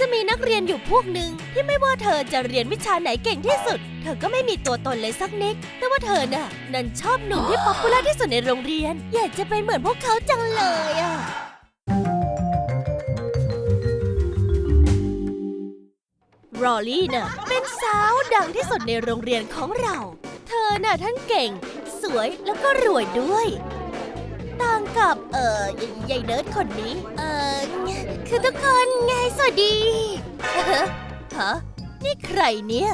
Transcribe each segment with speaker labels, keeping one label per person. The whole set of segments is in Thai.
Speaker 1: จะมีนักเรียนอยู่พวกหนึ่งที่ไม่ว่าเธอจะเรียนวิชาไหนเก่งที่สุดเธอก็ไม่มีตัวตนเลยสักนิดแต่ว่าเธอน่ะนั้นชอบหนุ่มที่ป๊อปปูล่าที่สุดในโรงเรียนอยากจะเป็นเหมือนพวกเขาจังเลยอะรอลลี่น่ะเป็นสาวดังที่สุดในโรงเรียนของเราเธอน่ะทั้งเก่งสวยแล้วก็รวยด้วยต่างกับยายเนิร์ดคนนี้คือทุกคนไงสวัสดีฮะนี่ใครเนี่ย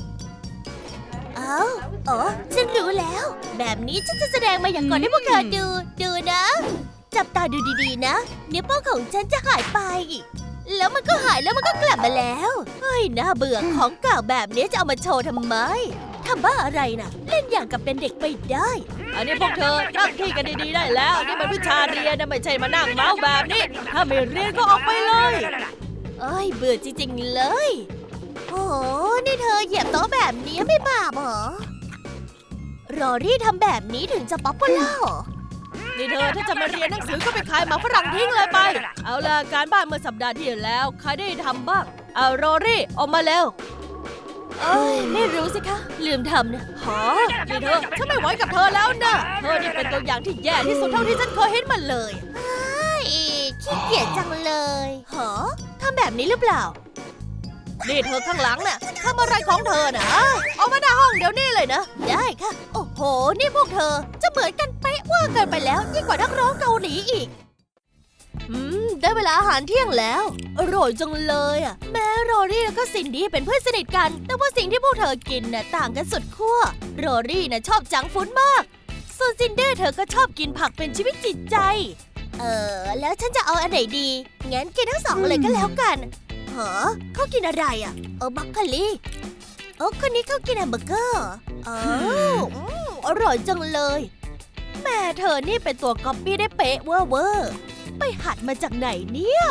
Speaker 1: ฉันรู้แล้วแบบนี้ฉันจะแสดงมาอย่างก่อนให้พวกเธอดูนะจับตาดูดีๆนะนิ้วโป้งของฉันจะหายไปแล้วมันก็หายแล้วมันก็กลับมาแล้วเฮ้ยน่าเบื่อของเก่าแบบนี้จะเอามาโชว์ทำไมทำบ้าอะไรน่ะเล่นอย่างกับเป็นเด็กไปได้อันนี้พวกเธอตั้งที่กันดีๆได้แล้วนี่มันวิชาเรียนนะไม่ใช่มานั่งเมาแบบนี้ถ้าไม่เรียนก็ออกไปเลยเบื่อจริงๆเลยโอ้นี่เธอเหยียบโต๊ะแบบนี้ไม่บาปเหรอรอรี่ทำแบบนี้ถึงจะป๊อปปูล่านี่เธอถ้าจะมาเรียนหนังสือก็ไปขายหมาฝรั่งทิ้งเลยไปเอาล่ะการบ้านเมื่อสัปดาห์ที่แล้วใครได้ทำบ้างเอารอรี่ออกมาแล้วไม่รู้สิคะลืมทำนะนี่เธอฉันไม่ไหวกับเธอแล้วนะเธอนี่เป็นตัวอย่างที่แย่ที่สุดเท่าที่ฉันเคยเห็นมาเลยขี้เกียจจังเลยทำแบบนี้หรือเปล่านี่เธอข้างหลังน่ะทำอะไรของเธอนะออกมาหน้าห้องเดี๋ยวนี้เลยนะได้ค่ะโอ้โหนี่พวกเธอจะเหมือนกันเป๊ะว่าเกินไปแล้วยิ่งกว่านักร้องเกาหลีอีกได้เวลาอาหารเที่ยงแล้วอร่อยจังเลยอ่ะแม้โรรี่แล้วก็ซินดี้เป็นเพื่อนสนิทกันแต่ว่าสิ่งที่พวกเธอกินน่ะต่างกันสุดขั้วโรรี่น่ะชอบจังก์ฟู้ดมากส่วนซินดี้เธอก็ชอบกินผักเป็นชีวิตจิตใจแล้วฉันจะเอาอันไหนดีงั้นกินทั้งสองเลยก็แล้วกันเขากินอะไรอ่ะบัคคาลีคนนี้เขากินแฮมเบอร์เกอร์อร่อยจังเลยแม่เธอนี่เป็นตัวก๊อปปี้ได้เป๊ะเวอร์ไปหัดมาจากไหนเนี่ย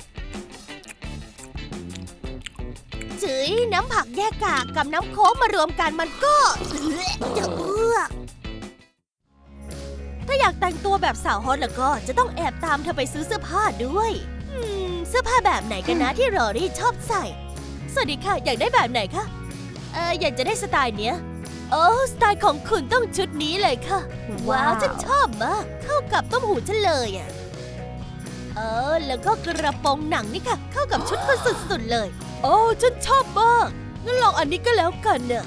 Speaker 1: จื้อน้ำผักแยกกากกับน้ำโค้กมารวมกันมันก็จะเอื้อถ้าอยากแต่งตัวแบบสาวฮอตแล้วก็จะต้องแอบตามเธอไปซื้อเสื้อผ้าด้วยเสื้อผ้าแบบไหนกันนะที่รอรี่ชอบใส่สวัสดีค่ะอยากได้แบบไหนคะอยากจะได้สไตล์เนี้ยสไตล์ของคุณต้องชุดนี้เลยค่ะว้าวฉันชอบมากเข้ากับต้มหูฉันเลยอ่ะแล้วก็กระโปรงหนังนี่ค่ะเข้ากับชุดคุณสุดๆเลยฉันชอบมากงั้นลองอันนี้ก็แล้วกันเน่ะ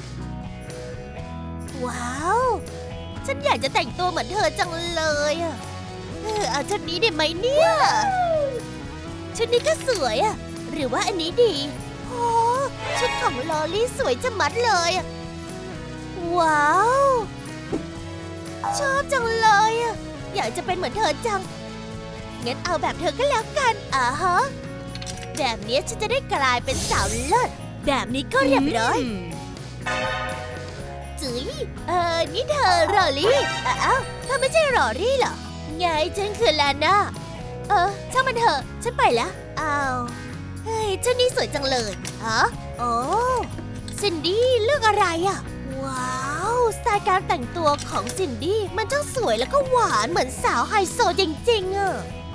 Speaker 1: ว้าวฉันอยากจะแต่งตัวเหมือนเธอจังเลยอ่ะเอาชุดนี้ได้ไหมเนี่ยชุดนี้ก็สวยอ่ะหรือว่าอันนี้ดีชุดของลอลี่สวยจะมัดเลยอ่ะว้าวชอบจังเลยอ่ะอยากจะเป็นเหมือนเธอจังงั้นเอาแบบเธอก็แล้วกันแบบนี้ฉันจะได้กลายเป็นสาวเลิศแบบนี้ก็เรียบร้อยจุ๋ยนี่เธอรอลี่เธอไม่ใช่รอลี่เหรอไงฉันคือลาน่าช่างมันเถอะฉันไปแล้วเฮ้ยเจ้านี่สวยจังเลยซินดี้เลือกอะไรอ่ะว้าวสไตล์การแต่งตัวของซินดี้มันช่างสวยแล้วก็หวานเหมือนสาวไฮโซจริงๆอ่ะ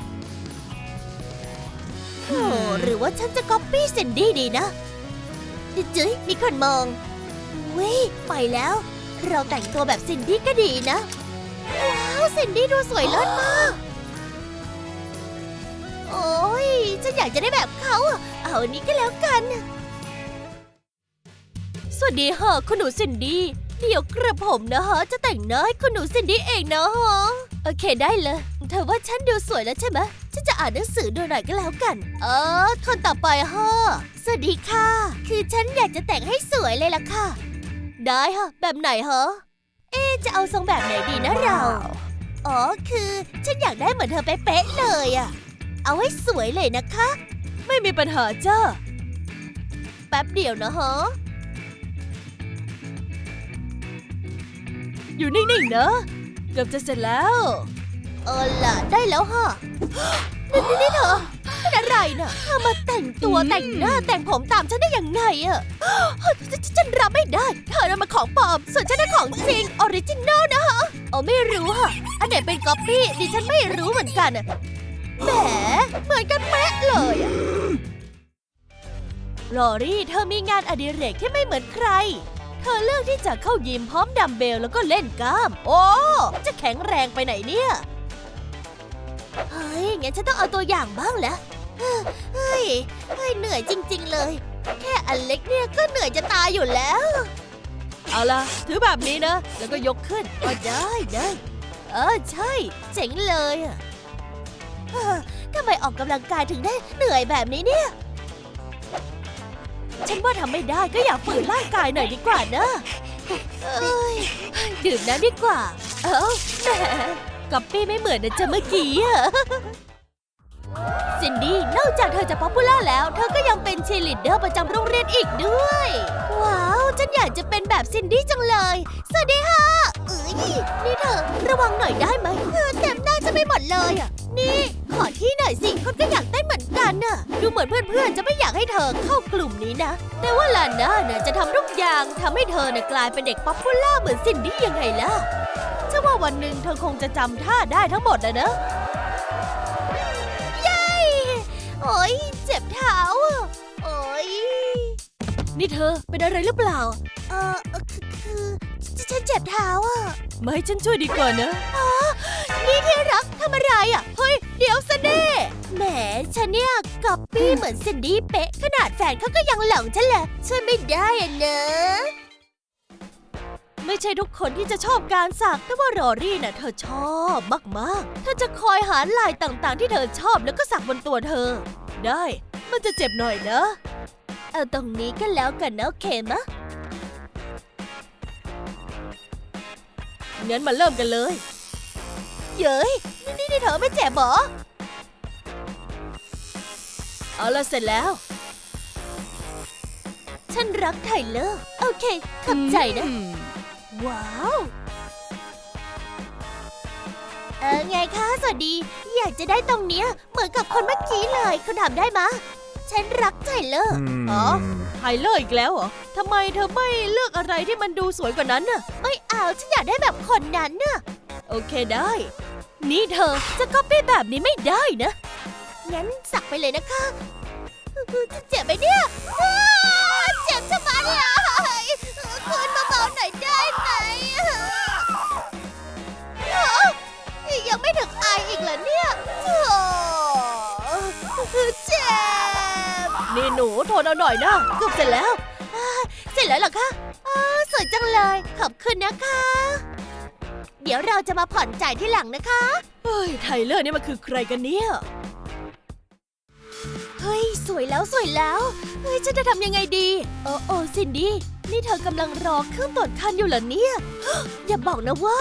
Speaker 1: หรือว่าฉันจะก๊อปปี้ซินดี้ดีนะจุ๊ยมีคนมองไปแล้วเราแต่งตัวแบบซินดี้ก็ดีนะว้าวซินดี้ดูสวยเลิศมากฉันอยากจะได้แบบเขาเอาอันนี้ก็แล้วกันสวัสดีค่ะคุณหนูซินดี้เดี๋ยวกระผมนะฮะจะแต่งหน้าให้คุณหนูซินดี้เองนะฮะโอเคได้เลยเธอว่าฉันดูสวยแล้วใช่ไหมฉันจะอ่านหนังสือดูหน่อยก็แล้วกันคนต่อไปฮะสวัสดีค่ะคือฉันอยากจะแต่งให้สวยเลยล่ะค่ะได้ค่ะแบบไหนฮะจะเอาทรงแบบไหนดีนะเราคือฉันอยากได้เหมือนเธอเป๊ะๆเลยอะเอาให้สวยเลยนะคะไม่มีปัญหาจ้าแป๊บเดียวนะฮะอยู่นิ่งๆนะเกือบจะเสร็จแล้วล่ะได้แล้วฮะนี่เธอเป็นอะไรน่ะเธอมาแต่งตัวแต่งหน้าแต่งผมตามฉันได้ยังไงอะฉันรับไม่ได้เธอน่ะมาของปลอมส่วนฉันน่ะของจริงออริจินอลนะฮะไม่รู้ฮะอันไหนเป็นก๊อปปี้ดิฉันไม่รู้เหมือนกันอะแหมเหมือนกันเป๊ะเลยลอรี่เธอมีงานอดิเรกที่ไม่เหมือนใครเธอเลือกที่จะเข้ายิมพร้อมดัมเบลแล้วก็เล่นกล้ามโอ้จะแข็งแรงไปไหนเนี่ยเฮ้ยงั้นฉันต้องเอาตัวอย่างบ้างแล้วเฮ้ยเหนื่อยจริงๆเลยแค่อันเล็กเนี่ยก็เหนื่อยจะตายอยู่แล้วเอาล่ะถือแบบนี้นะแล้วก็ยกขึ้นก็ได้ใช่เจ๋งเลยอะทำไมออกกำลังกายถึงได้เหนื่อยแบบนี้เนี่ยฉันว่าทำไม่ได้ก็อยากฝืนร่างกายหน่อยดีกว่านะดื่มน้ำดีกว่าแหมก๊อปปี้ไม่เหมือนนะจ๊ะเมื่อกี้อะซินดี้นอกจากเธอจะป๊อปปูล่าแล้วเธอก็ยังเป็นเชียร์ลีดเดอร์ประจำโรงเรียนอีกด้วยว้าวฉันอยากจะเป็นแบบซินดี้จังเลยสวัสดีค่ะนี่เธอระวังหน่อยได้ไหมเต็มหน้าจะไม่หมดเลยอ่ะนี่ขอที่หน่อยสิคนก็อยากเต้นเหมือนกันน่ะดูเหมือนเพื่อนๆจะไม่อยากให้เธอเข้ากลุ่มนี้นะแต่ว่าลาน่าน่ะจะทำทุกอย่างทำให้เธอน่ะกลายเป็นเด็กป๊อปปูล่าเหมือนซินดี้ยังไงล่ะเชื่อว่าวันหนึ่งเธอคงจะจำท่าได้ทั้งหมดนะโอ๊ยเจ็บเท้าโอ๊ยนี่เธอเป็นอะไรหรือเปล่าคือฉันเจ็บเท้าอ่ะมาให้ฉันช่วยดีกว่านะนี่ที่รักทำอะไรอ่ะเฮ้ยเดี๋ยวซะเน่แหมฉันเนี่ยก๊อปปี้เหมือนซินดี้เป๊ะขนาดแฟนเขาก็ยังหลงฉันเลยช่วยไม่ได้อ่ะเนอะไม่ใช่ทุกคนที่จะชอบการสักแต่ว่ารอรี่น่ะเธอชอบมากๆเธอจะคอยหาลายต่างๆที่เธอชอบแล้วก็สักบนตัวเธอได้มันจะเจ็บหน่อยนะเอาตรงนี้ก็แล้วกันนะโอเคมะงั้นมาเริ่มกันเลยเย้ยนี่เธอไม่เจ็บหรอเอาละเสร็จแล้วฉันรักไทเลอร์โอเคขอบใจนะว้าวไงคะสวัสดีอยากจะได้ตรงเนี้ยเหมือนกับคนเมื่อกี้เลยคุณทำได้มะฉันรักไทเลอร์ไทเลอร์อีกแล้วเหรอทำไมเธอไม่เลือกอะไรที่มันดูสวยกว่านั้นน่ะไม่เอาฉันอยากได้แบบคนนั้นน่ะโอเคได้นี่เธอจะก๊อปปี้แบบนี้ไม่ได้นะงั้นสักไปเลยนะคะจะเจ็บไหมเนี่ยเจ็บชะมัดเลยคืนเบาๆหน่อยได้ไหมยังไม่ถึงอายอีกเหรอเนี่ยเจ็บนี่หนูทนเอาหน่อยนะเกือบเสร็จแล้วเสร็จแล้วเหรอคะสวยจังเลยขอบคุณนะคะเดี๋ยวเราจะมาผ่อนจ่ายที่หลังนะคะเฮ้ยไทเลอร์นี่มันคือใครกันเนี่ยเฮ้ยสวยแล้วเฮ้ยฉันจะทำยังไงดีโอ้ซินดี้นี่เธอกำลังรอเครื่องตรวจคันอยู่เหรอเนี่ยอย่าบอกนะว่า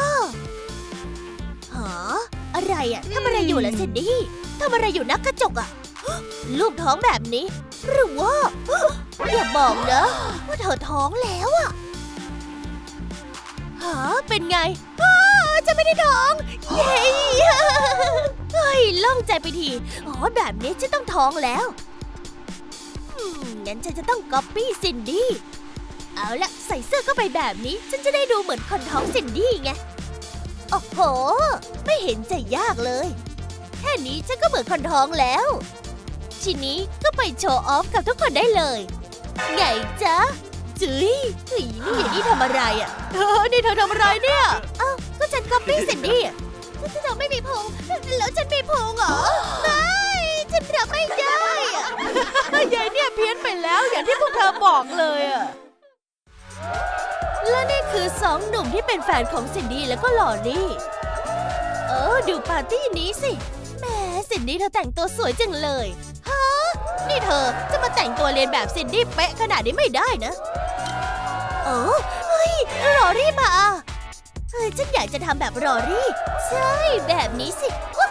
Speaker 1: อะไรอะทำอะไรอยู่ล่ะซินดี้ทำอะไรอยู่นักกระจกอะลูกท้องแบบนี้หรือว่าอย่าบอกนะว่าเธอท้องแล้วอะเป็นไงจะไม่ได้ท้องเย้เฮ้ยโล่งใจไปทีแบบนี้ฉันต้องท้องแล้วงั้นฉันจะต้องก๊อปปี้ซินดี้เอาละใส่เสื้อเข้าไปแบบนี้ฉันจะได้ดูเหมือนคนท้องซินดี้ไงโอ้โหไม่เห็นจะยากเลยแค่นี้ฉันก็เหมือนคนท้องแล้วทีนี้ก็ไปโชว์ออฟกับทุกคนได้เลยไงจ๊ะจุ๊ยนี่อย่างนี้ทำอะไรอ่ะนี่เธอทำอะไรเนี่ยก็ฉันก๊อปปี้ซินดี้เธอไม่มีพุงแล้วฉันมีพุงเหรอไม่ฉันรับไม่ได้อ่ะยายเนี่ยเพี้ยนไปแล้วอย่างที่พวกเธอบอกเลยอ่ะและนี่คือ2 หนุ่มที่เป็นแฟนของซินดี้แล้วก็ลอรี่ดูปาร์ตี้นี้สิแหมซินดี้เธอแต่งตัวสวยจังเลยนี่เธอจะมาแต่งตัวเรียนแบบซินดี้เป๊ะขนาดนี้ไม่ได้นะเฮ้ยลอรี่มาฉันอยากจะทำแบบลอรี่ใช่แบบนี้สิ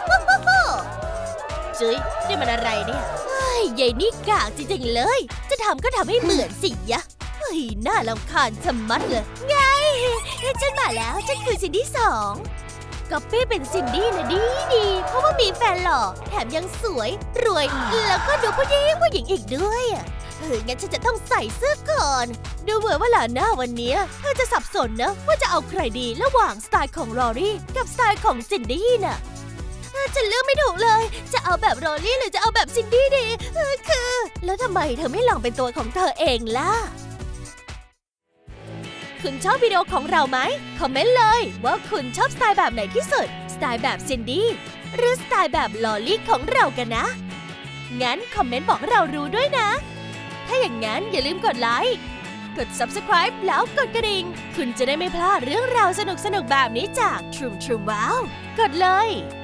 Speaker 1: จุ๊ยนี่มันอะไรเนี่ยยายนี่กากจริงๆเลยจะทำก็ทำให้เหมือนสิยะน่ารำคาญชะมัดเลยไงฉันมาแล้วฉันคือซินดี้2ก๊อปปี้เป็นซินดี้นะดีเพราะว่ามีแฟนหล่อแถมยังสวยรวยแล้วก็ดูผู้หญิงอีกด้วยงั้นฉันจะต้องใส่เสื้อก่อนดูเหมือนว่าลาน่าวันนี้เธอจะสับสนนะว่าจะเอาใครดีระหว่างสไตล์ของลอรี่กับสไตล์ของซินดี้น่ะฉันเลือกไม่ถูกเลยจะเอาแบบลอรี่หรือจะเอาแบบซินดี้ดีคือแล้วทำไมเธอไม่ลองเป็นตัวของเธอเองล่ะคุณชอบวิดีโอของเราไหมคอมเมนต์เลยว่าคุณชอบสไตล์แบบไหนที่สุดสไตล์แบบซินดี้หรือสไตล์แบบลอลี่ของเรากันนะงั้นคอมเมนต์บอกเรารู้ด้วยนะถ้าอย่างนั้นอย่าลืมกดไลค์กด Subscribe แล้วกดกระดิ่งคุณจะได้ไม่พลาดเรื่องราวสนุกๆแบบนี้จาก Troom Wow กดเลย